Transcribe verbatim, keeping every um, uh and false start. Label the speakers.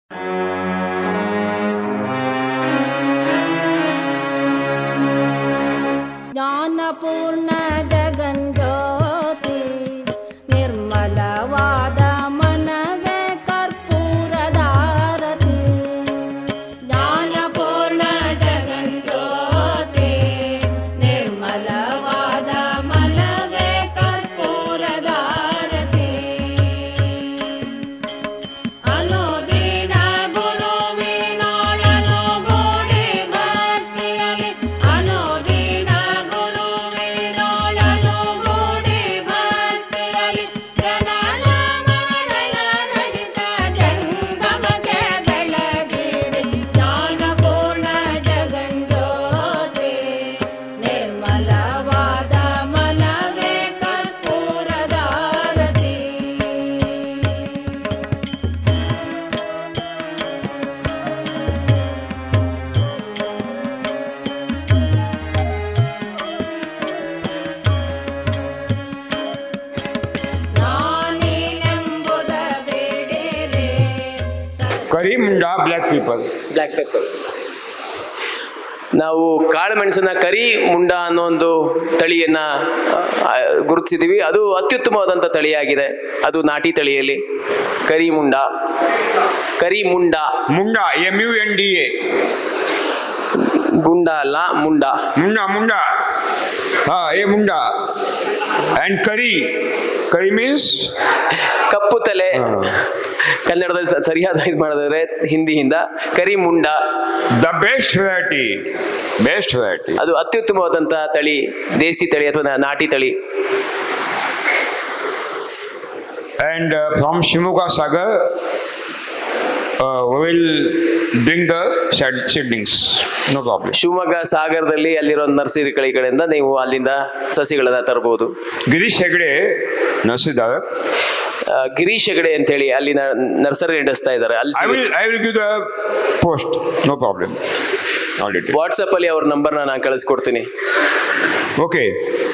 Speaker 1: ಜ್ಞಾನಪೂರ್ಣ ಜಗಂಜ್ಯೋತಿ ನಿರ್ಮಲವಾದ ಮನವೇ ಕರ್ಪೂರದಾರತಿ. ಜ್ಞಾನಪೂರ್ಣ ಜಗಂಜ್ಯೋತಿ ನಿರ್ಮಲವಾದ ಮನವೇ ಕರ್ಪೂರದಾರತಿ. ಅನುದಿನ ಗುರುವಿನೊಳನು ಗೂಡಿ ಭಕ್ತಿಯಲಿ ಅನುದಿನ ಗುರುವಿನೊಳನು ಗೂಡಿ ಭಕ್ತಿಯಲಿ ಜನನ ಮರಣ ರಹಿತ ಜಂಗಮಕ್ಕೆ ಬೆಳಗಿರಿ. ಜ್ಞಾನಪೂರ್ಣ ಜಗಂಜ್ಯೋತಿ ನಿರ್ಮಲವಾದ ಮನವೇ ಕರ್ಪೂರದಾರತಿ. ನಾನೇನೆಂಬುದ ಬೇಡಿರೆ
Speaker 2: ಕರಿ ಮುಂಡಾ ಬ್ಲ್ಯಾಕ್ ಪೀಪಲ್.
Speaker 3: Black pepper. ನಾವು ಕಾಳುಮೆಣಸನ್ನ ಕರಿ ಮುಂಡ ಅನ್ನೋ ಒಂದು ತಳಿಯನ್ನ ಆ, ಗುರುತಿಸಿದೀವಿ. ಅದು ಅತ್ಯುತ್ತಮವಾದಂಥ ತಳಿಯಾಗಿದೆ. ಅದು ನಾಟಿ ತಳಿಯಲ್ಲಿ ಕರಿ ಮುಂಡ ಕರಿ ಮುಂಡ
Speaker 2: ಮುಂಡಾ M U N D A
Speaker 3: ಗುಂಡ ಅಲ್ಲ ಮುಂಡ.
Speaker 2: ಮುಂಡಾ ಮುಂಡಾ ಹಾ ಎ ಮುಂಡಾ ಅಂಡ್ ಕರಿ ಕರಿ ಮೀನ್ಸ್
Speaker 3: ಕಪ್ಪು ತಲೆ. ಕನ್ನಡದಲ್ಲಿ ಸ- ಸರಿಯಾದ ಇದು ಮಾಡಿದ್ರೆ ಹಿಂದಿಯಿಂದ ಕರಿ ಮುಂಡ.
Speaker 2: The best variety best variety.
Speaker 3: ಅದು ಅತ್ಯುತ್ತಮವಾದಂಥ ತಳಿ, ದೇಸಿ ತಳಿ ಅಥವಾ ನಾ- ನಾಟಿ ತಳಿ.
Speaker 2: And uh, from Shimoga Sagar, uh, we will bring the seed- seedlings. No problem.
Speaker 3: Shivamogga ಸಾಗರದಲ್ಲಿ ಅಲ್ಲಿರೋ ನರ್ಸರಿ ಕಡೆಯಿಂದ ನೀವು ಅಲ್ಲಿಂದ ಸಸಿಗಳನ್ನ ತರಬಹುದು.
Speaker 2: Girish Hegde, Nasidar.
Speaker 3: ಆ, ಗಿರೀಶ್ ಹೆಗಡೆ ಅಂತ ಹೇಳಿ ಅಲ್ಲಿ ನ- ನರ್ಸರಿ ನಡೆಸ್ತಾ ಇದ್ದಾರೆ. ಅಲ್ಲಿ
Speaker 2: I will I will give the post. No problem. All details.
Speaker 3: WhatsApp ಅಲ್ಲಿ ಅವ್ರ ನಂಬರ್ನ ನಾನು ಕಳಿಸ್ಕೊಡ್ತೀನಿ.
Speaker 2: Okay.